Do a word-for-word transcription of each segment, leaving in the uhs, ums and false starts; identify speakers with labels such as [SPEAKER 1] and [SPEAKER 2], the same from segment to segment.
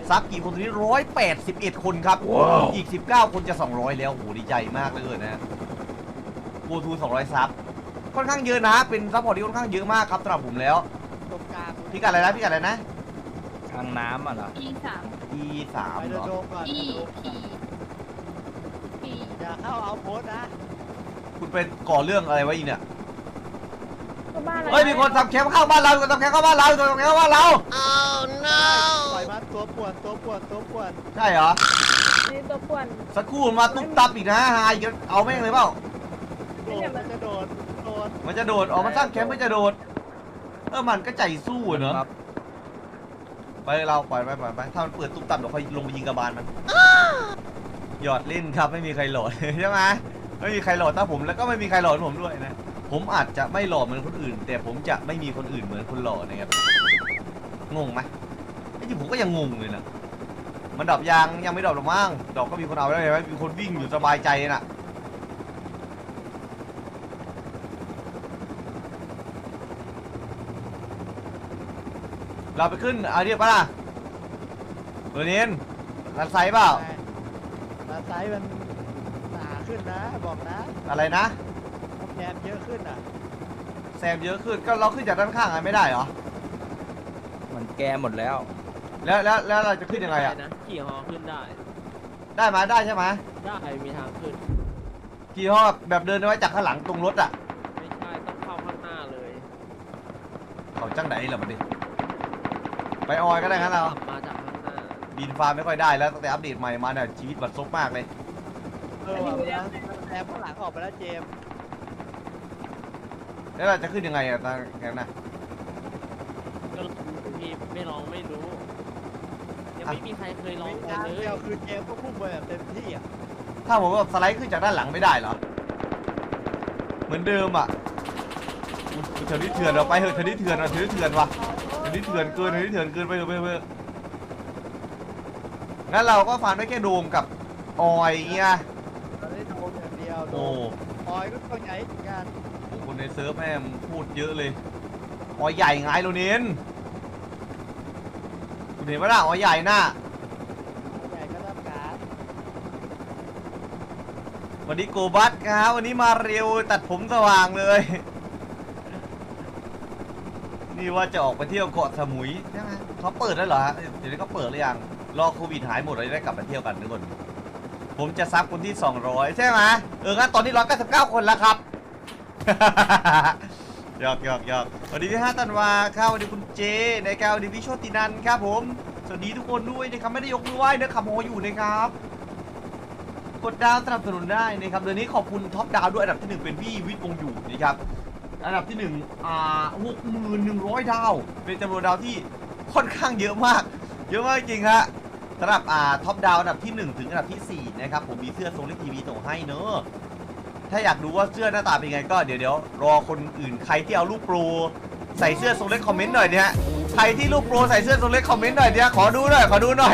[SPEAKER 1] ซับกี่คนตอนนี้ร้อยแปดสิบเอ็ดคนครับ wow. อีกสิบเก้าคนจะสองร้อยแล้วโหดีใจมากเลยนะโกทูสองร้อยซับค่อนข้างเยอะนะเป็นซัพพอร์ตที่ค่อนข้างเยอะมากครับสำหรับผมแล้ว
[SPEAKER 2] ตรงกลาง
[SPEAKER 1] พี่กัดอะไรนะพี่กัดอะไรนะ
[SPEAKER 3] ทางน้ำอ่ะเหรอ
[SPEAKER 4] อีสาม
[SPEAKER 1] อีสามเหรอ
[SPEAKER 4] อีพีพี
[SPEAKER 2] อย่าเข้าเอาโพสนะ
[SPEAKER 1] คุณเป็นก่อเรื่องอะไรไว้อีเนี่ย
[SPEAKER 4] ก็บ้านเรา
[SPEAKER 1] เฮ้ยมีคนทำแคมป์เข้าบ้านเรามีคนทำแคมป์เข้าบ้านเรามีคนทำแคมป์เข้าบ้านเรา
[SPEAKER 2] oh no ปล่อยมันตัวป่วนตัวป่วนตัวป่วน
[SPEAKER 1] ใช่เหรอ
[SPEAKER 4] นี่ตัวป่วน
[SPEAKER 1] สักครู่มาตุ๊บตับอีกนะฮะอีกเอาแม่งเลยเปล่า
[SPEAKER 2] โดดมันจะโดดโดด
[SPEAKER 1] มันจะโดดออกมาสร้างแคมป์ไม่จะโดดเออมันก็ใจสู้เนอะไปเราปล่อยไปปล่อยไปถ้ามันเปิดตุ๊บตับเดี๋ยวค่อยลงไปยิงกระบาลมันหยอดเล่นครับไม่มีใครโหลดใช่ไหมไม่มีใครโหลดถ้าผมแล้วก็ไม่มีใครโหลดผมด้วยนะผมอาจจะไม่หล่อเหมือนคนอื่นแต่ผมจะไม่มีคนอื่นเหมือนคนหล่อนะครับงงไหมไอ้ที่ผมก็ยังงงเลยนะมันดรอปยางยังไม่ดรอปหรอกมั้งดรอปก็มีคนเอาได้ไหมมีคนวิ่งอยู่สบายใจน่ะเราไปขึ้นเอาเรียกปะล่ะเบอร์เนียนรันไซเปล่า
[SPEAKER 2] รันไซมันหนาขึ้นนะบอกนะ
[SPEAKER 1] อะไรนะ
[SPEAKER 2] แซมเยอะขึ้นอ่ะ
[SPEAKER 1] แซมเยอะขึ้นก็เราขึ้นจากด้านข้างไงไม่ได้เหรอ
[SPEAKER 3] มันแกหมดแล้ว
[SPEAKER 1] แล้วแล้วแล้วเราจะขึ้นยังไงอ่ะ
[SPEAKER 5] ขี่ฮอขึ้นได้
[SPEAKER 1] ได้ไหมได้ใช่ไหม
[SPEAKER 5] ได้มีทางขึ้น
[SPEAKER 1] ขี่ฮอแบบเดินไว้จากข้างหลังตรงรถอ่ะ
[SPEAKER 5] ไม่ใช่ต้องเข้าข้างหน้าเลย
[SPEAKER 1] เขาจังไหนเหรอมันดิไปออยก็ได้ครับเรา
[SPEAKER 5] มาจากข้างหน้า
[SPEAKER 1] บินฟ้าไม่ค่อยได้แล้วตั้งแต่อัปเดตใหม่มาเนี่ยชีวิตบัดซบมากเลย
[SPEAKER 2] เออแซมข้างหลังออกไปแล้วเจม
[SPEAKER 1] แล้วเราจะขึ้นยังไงอะตอนนั้นนะ
[SPEAKER 5] ก็พี่ไม่ลองไม่รู้ยังไม่มีใครเคยลองเลย
[SPEAKER 2] เดียวคือเจมก็พุ่งไปแบบเต็มที่อ่ะ
[SPEAKER 1] ถ้าผมว่าสไลด์ขึ้นจากด้านหลังไม่ได้เหรอเหมือนเดิมอ่ะเถื่อนที่เถื่อนเราไปเถอะเถื่อนที่เถื่อนเราเถื่อนที่เถื่อนวะเถื่อนที่เถื่อนเกินเถื่อนที่เถื่อนเกินไปเถอะไปเถอะงั้นเราก็ฟันได้แค่โดมกับออยเงี้ย
[SPEAKER 2] เราได้โดมอย่างเดียว
[SPEAKER 1] โอ้
[SPEAKER 2] ออยก็ตัวใหญ่เหมือนกัน
[SPEAKER 1] คนในเซิร์ฟแม่งพูดเยอะเลยออยใหญ่ไงโรนินคุณเห็นไหมล่ะออยใหญ่น่ะ
[SPEAKER 2] ใหญ่ก็รับการ
[SPEAKER 1] วันนี้โกบัสครับวันนี้มาเร็วตัดผมสว่างเลยนี่ว่าจะออกไปเที่ยวเกาะสมุยใช่ไหมเขาเปิดแล้วเหรอเดี๋ยวนี้เขาเปิดหรือยังรอโควิดหายหมดเราจะได้กลับมาเที่ยวกันทุกคนผมจะซับคนที่สองร้อยใช่ไหมเอองั้นตอนนี้หนึ่งร้อยเก้าสิบเก้าคนแล้วครับหยอกหยอกหยอกสวัสดีพี่ห้าตันวาครับสวัสดีคุณเจในการสวัสดีพี่โชตินันครับผมสวัสดีทุกคนด้วยนะครับไม่ได้ยกมือไหว้นะขับโมอยู่นะครับกดดาวสนับสนุนได้นะครับเดือนนี้ขอบคุณท็อปดาวด้วยอันดับที่หนึ่งเป็นพี่วิทย์วงอยู่นะครับอันดับที่หนึ่งอ่าหกหมื่นหนึ่งร้อยดาวเป็นจำนวนดาวที่ค่อนข้างเยอะมากเยอะมากจริงฮะสำหรับอ่าท็อปดาวอันดับที่หนึ่งถึงอันดับที่สี่นะครับผมมีเสื้อทรงเล็กทีวีส่งให้เนอะถ้าอยากดูว่าเสื้อหน้าตาเป็นไงก็เดี๋ยวเดี๋ยวรอคนอื่นใครที่เอาลูกโปรใส่เสื้อทรงเล็กคอมเมนต์หน่อยเนี่ยใครที่ลูกโปรใส่เสื้อทรงเล็กคอมเมนต์หน่อยเนี่ยขอดูหน่อยขอดูหน่อย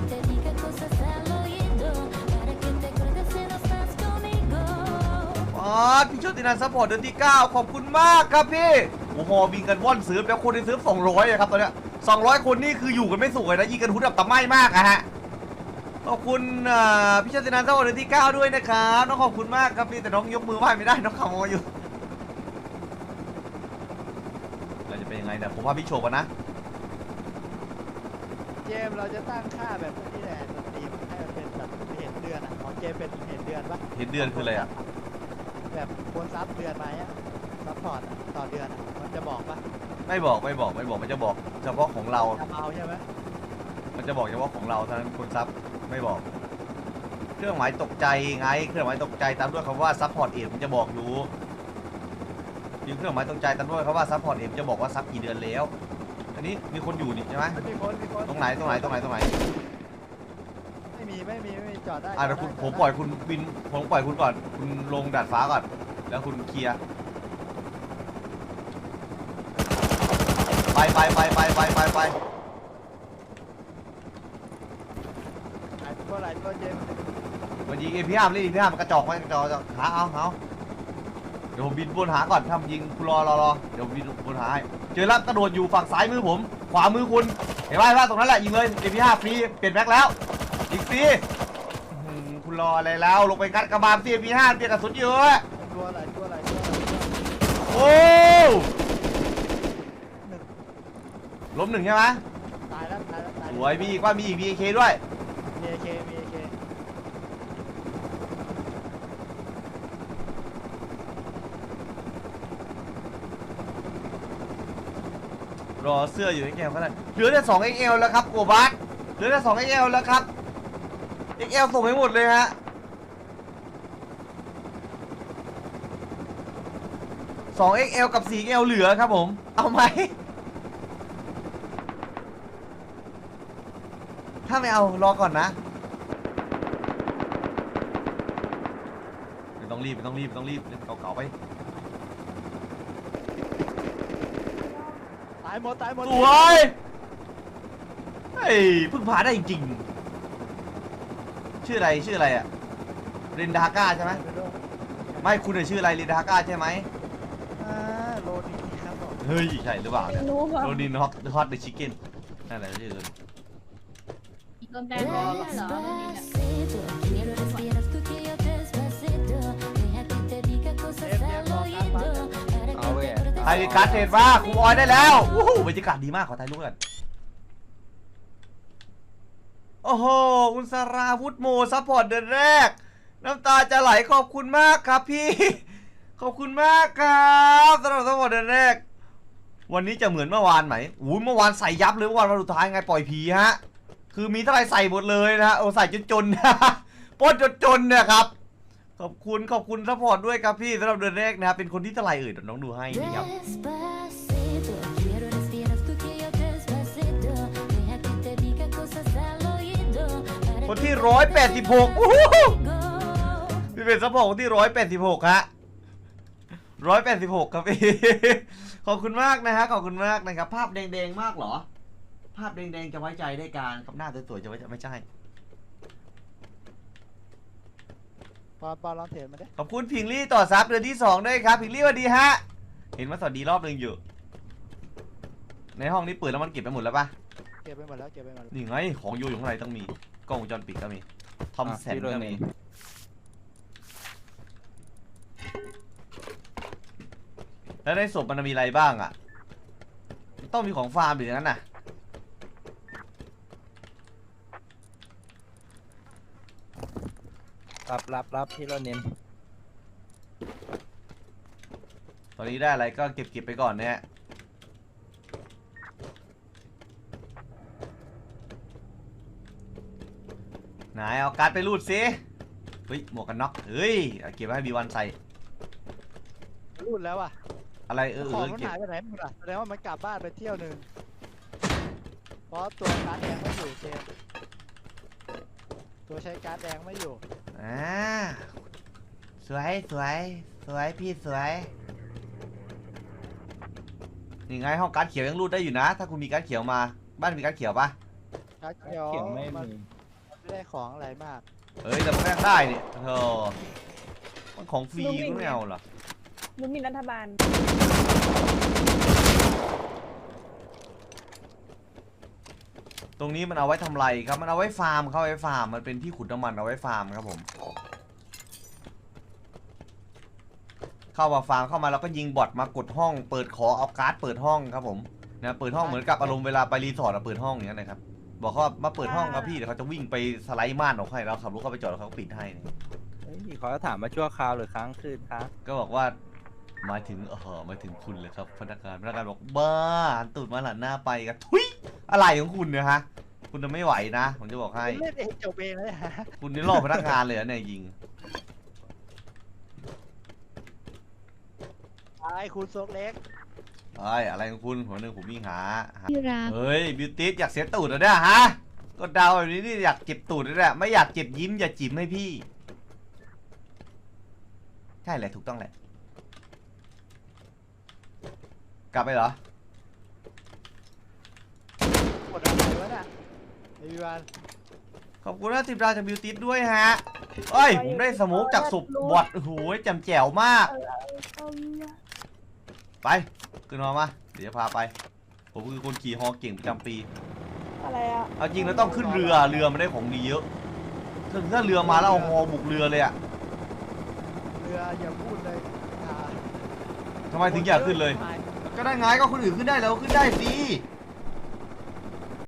[SPEAKER 1] อ๋อพี่โชตินันซัพพอร์ตเดือนที่เก้าขอบคุณมากครับพี่โอ้โหบินกันว่อนซื้อแล้วคนในซื้อสองร้อยครับตอนเนี้ยสองร้อยคนนี่คืออยู่กันไม่สุขเลยนะยิงกันหุ่นแบบตะไม้มากอะฮะขอบคุณพี่โชตินันซัพพอร์ตเดือนที่เก้าด้วยนะครับน้องขอบคุณมากครับพี่แต่น้องยกมือไหว้ไม่ได้น้องขโมยอยู่เราจะเป็นยังไงเนี่ยผมว่าพี่โชว์กันนะ
[SPEAKER 2] เจมเราจะตั้งค่าแบบนี้แหละสตรีมให้มันเป็นแบบเห็นเดือนอ่ะของเจมเป็นเห็นเดือนปะ
[SPEAKER 1] เห็นเดือนคืออะไรอ่ะ
[SPEAKER 2] แบบคนซับเดือนไหมอ่ะซัพพอร์ตต่อเดือนมันจะบอกปะ
[SPEAKER 1] ไม่บอกไม่บอกไม่บอกมันจะบอกเฉพาะของเรา
[SPEAKER 2] เอาใช่ไหม
[SPEAKER 1] มันจะบอกเฉพาะของเราเท่านั้นคนซับไม่บอกเครื่องหมายตกใจไงเครื่องหมายตกใจตามด้วยคำว่าซัพพอร์ตเอ็มมันจะบอกอยู่ยิงเครื่องหมายตกใจตามด้วยคำว่าซัพพอร์ตเอ็มจะบอกว่าซับกี่เดือนแล้วอันนี้มีคนอยู่นี่ใช่ไหม
[SPEAKER 2] มีคนมีคน
[SPEAKER 1] ตรงไหนตรงไหนตรงไหนตรงไหน
[SPEAKER 2] ไม่มีไม่มีไม่มีจอดได้
[SPEAKER 1] อ่ะเดี๋ยวคุณผมปล่อยคุณบินผมปล่อยคุณก่อนคุณลงดาดฟ้าก่อนแล้วคุณเคลียร์ไปไปไปไปไปไปไป
[SPEAKER 2] ไอ้ตัวอะไรตัวเจม
[SPEAKER 1] มันยิงเอพีอาร์เลยเอพีอาร์มันกระจอกมันกระจอกหาเอาเอาเดี๋ยวผมบินบนหาก่อนถ้ายิงคุณรอรอรอเดี๋ยวบินบนหาให้เจอแล้วกระโดดอยู่ฝั่งซ้ายมือผม ขวามือคุณเห็นไหมว่าตรงนั้นแหละยิงเลย เอ็ม พี ห้า ฟรีเปลี่ยนแม็กแล้วอีกฟรีอื้อหือคุณรออะไรแล้วลงไปกัดกระบาล เอ็ม พี ห้า เปลี่ยนกระสุนเยอะ
[SPEAKER 2] ตัวอะไรตัวอะไรตัวอะไรตัวอะไร
[SPEAKER 1] โอ้
[SPEAKER 2] หนึ่ง
[SPEAKER 1] ล้มหนึ่งใช่ไหม
[SPEAKER 2] ตายแล้วตายแล้วตาย
[SPEAKER 1] ส
[SPEAKER 2] แล้ว
[SPEAKER 1] วยมีอีกว่ามีอีก บี เค ด้วย
[SPEAKER 2] มีเอเคมีเอเค
[SPEAKER 1] รอเสื้ออยู่ เอ็กซ์ แอล ก็ได้เหลือแต่ สอง เอ็กซ์ แอล แล้วครับโกบัสเหลือแต่ สอง เอ็กซ์ แอล แล้วครับ เอ็กซ์ แอล ส่งให้หมดเลยฮะสอง เอ็กซ์ แอล กับ สี่ เอ็กซ์ แอล เหลือครับผม เอาไหม ถ้าไม่เอารอก่อนนะไม่ต้องรีบไม่ต้องรีบไม่ต้องรีบเล่นเก่าๆไป
[SPEAKER 2] ตายหมดตายหมด
[SPEAKER 1] สวยเฮ้ยเพิ่งผ่านได้จริงๆชื่ออะไรชื่ออะไรอะเรนดาก้าใช่ไหม
[SPEAKER 2] ไปด้วย
[SPEAKER 1] ไม่คุณเนี่ยชื่ออะไรเรนดาก้าใช่ไหม
[SPEAKER 2] อ่าโลนี้ครับผม
[SPEAKER 1] เฮ้ยใช่หรือเปล่าเนี่ย
[SPEAKER 4] ไม่รู้ว่า
[SPEAKER 1] โรดินฮอตฮอตเดอะชิคเก้นนั่นแหละชื่อเลย
[SPEAKER 4] โดนแบนแล้วไม่ใช่เหรอโดนนี่เนี่ย
[SPEAKER 6] Quiero respirar tu tío despacito. Deja que te diga cosas al oído. Para
[SPEAKER 3] เอาเว้ย
[SPEAKER 6] que te
[SPEAKER 1] ไทยการ์ดเทรดมาครูออยได้แล้ววู้หูบรรยากาศดีมากขอถ่ายรูปกันโอ้โหคุณสราวุธโมซัพพอร์ตเดือนแรก น้ำตาจะไหลขอบคุณมากครับพี่ ขอบคุณมากครับสำหรับซัพพอร์ตเดือนแรก วันนี้จะเหมือนเมื่อวานไหมอู้เมื่อวานใส่ยับเลยเมื่อวานวันสุดท้ายไงปล่อยผีฮะคือมีเท่าไรใส่หมดเลยนะโอ้ใส่จนจนปล้นจนจนเนี่ยครับขอบคุณขอบคุณซัพพอร์ตด้วยครับพี่สำหรับเดือนแรกนะครับเป็นคนที่เท่าไรเอ่ยเดี๋ยวน้องดูให้นี่ครับ
[SPEAKER 6] despacito. Quiero respirar tu tío despacito. Deja que te diga cosas al oído. Para
[SPEAKER 1] คน
[SPEAKER 6] que
[SPEAKER 1] ที่ร้อยแปดสิบหกโอ้โห
[SPEAKER 6] go.
[SPEAKER 1] พี่เป็นซัพพอร์ตคนที่ร้อยแปดสิบหกฮะร้อยแปดสิบหกครับพี่ ขอบคุณมากนะฮะขอบคุณมากนะครับภาพแดงๆมากเหรอ ภาพแดงๆจะไว้ใจได้การกับหน้าสวยๆจะไว้ใจไม่ใช่
[SPEAKER 2] ปอนปอนลองเทรดมาดิ
[SPEAKER 1] ขอบคุณพิงลี่ต่อซับเดือนที่สองด้วยครับพิงลี่สวัสดีฮะเห็นว่าสวัสดีรอบหนึ่งอยู่ ในห้องนี้เปิดแล้วมันเก็บไปหมดแล้วปะ
[SPEAKER 2] เก็บไปหมดแล้วเก็บไปหมดแล้ว
[SPEAKER 1] นี่ไงของอยู่อยู่ข้างในต้องมีกล้องวงจรปิดก็มีทอมแสน
[SPEAKER 3] พี่โร
[SPEAKER 1] ก็
[SPEAKER 3] นิ
[SPEAKER 1] มี
[SPEAKER 3] น
[SPEAKER 1] แล้วในศพมันมีอะไรบ้างอ่ะต้องมีของฟาร์มหรืออย่างนั้นน่ะ
[SPEAKER 3] รับรับรับพี่โรนิน
[SPEAKER 1] ตอนนี้ได้อะไรก็เก็บเก็บไปก่อนเนี่ยไหนเอาการ์ดไปรูดซิเฮ้ยหมวกกันน็อกเฮ้ยเอาเก็บไว้ให้บีวันใส่
[SPEAKER 2] รูดแล้วอ่ะ
[SPEAKER 1] อะไรเออ
[SPEAKER 2] ข
[SPEAKER 1] เอ
[SPEAKER 2] อง
[SPEAKER 1] อ
[SPEAKER 2] มัน
[SPEAKER 1] เก็บ
[SPEAKER 2] หายไปไหนหมดอ่ะแสดงว่ามันกลับบ้านไปเที่ยวหนึ่งเพราะตัวการ์ดแดงไม่อยู่เจมส์ตัวใช้การ์ดแดงไม่อยู่
[SPEAKER 1] อ่าสวยสวยสวยพี่สวยนี่ไงห้องการ์ดเขียวยังรูดได้อยู่นะ ถ้าคุณมีการ์ดเขียวมาบ้านมีการ์ดเขียวปะ
[SPEAKER 2] การ์ดเขียว
[SPEAKER 3] เขียนไม่
[SPEAKER 2] มัน
[SPEAKER 3] มี
[SPEAKER 2] ไม่ได้ของอะไรมาก
[SPEAKER 1] เอ้ยแต่มันก็ยังได้เนี่ยเธอมันของฟรีก็ไม่เอาเหรอ
[SPEAKER 4] รู้มีรัฐบาล
[SPEAKER 1] ตรงนี้มันเอาไว้ทำไรครับ มันเอาไว้ฟาร์มเข้าไว้ฟาร์ม มันเป็นที่ขุดน้ำมันเอาไว้ฟาร์มครับผม เข้ามาฟาร์มเข้ามาแล้วก็ยิงบอทมากดห้อง เปิดขอเอาการ์ดเปิดห้องครับผมนะเปิดห้องเหมือนกับอารมณ์เวลาไปรีสอร์ทอะเปิดห้องอย่างนั้นนะครับ บอกเขาว่ามาเปิดห้องครับพี่เดี๋ยวเขาจะวิ่งไปสไลด์ม่านออกให้แล้วขับรถเข้าไปจอดแล้วเขาก็ปิดให้เนี่ย
[SPEAKER 3] เฮ้ยเขาจะถามมาชั่วคราวหรือค้างคืนครับ
[SPEAKER 1] ก็บอกว่าหมายถึงเออหมายถึงคุณเลยครับพนักงานพนักงานบอกบ้าหันตูดมาหลันหน้าไปกันทุยอะไรของคุณเนี่ยฮะ คุณจะไม่ไหวนะผมจะบอกให้
[SPEAKER 2] เล่นเองจบเองเลยฮะ
[SPEAKER 1] คุณนี่ล่อพนักงานเลยเหรอเนี่ยยิง
[SPEAKER 2] ไอ้คุณโซกเล็ก
[SPEAKER 1] เอ้ยอะไรของคุณหัวหนึ่งผมวิ่งหาหา
[SPEAKER 6] ที่รัก
[SPEAKER 1] เฮ้ยบิวตี้อยากเสียตูดเหรอเนี่ยฮะก็เดาแบบนี้นี่อยากเจ็บตูดเลยแหละไม่อยากเจ็บยิ้มอย่าจิ้มให้พี่ใช่แหละถูกต้องแหละกลับไปเหรอ
[SPEAKER 2] กดอะไรวะน่ะไอ้วิวัน
[SPEAKER 1] ขอบคุณนะทิปดาวจากบิวตี้ด้วยฮะเอ้ยผมได้สโมุกจากศพบอดโอ้โหแจ่มแจ๋วมาก
[SPEAKER 4] เออเอา
[SPEAKER 1] ไปขึ้นมามาเดี๋ยวจะพาไป ผมคือคนขี่ฮอเก่งประจำปี
[SPEAKER 7] อะไรอ่ะ
[SPEAKER 1] เอาจริงแล้วต้องขึ้นเรือเรือมันได้ของดีเยอะถ้าถ้าเรือมาแล้วเอาฮอบุกเรือเลยอะ
[SPEAKER 2] เรืออย่าพูดเลยอ่า
[SPEAKER 1] ทำไมถึงอยากขึ้นเลย ก็ได้ไงก็คนอื่นขึ้นได้แล้วขึ้นได้สิ
[SPEAKER 2] เ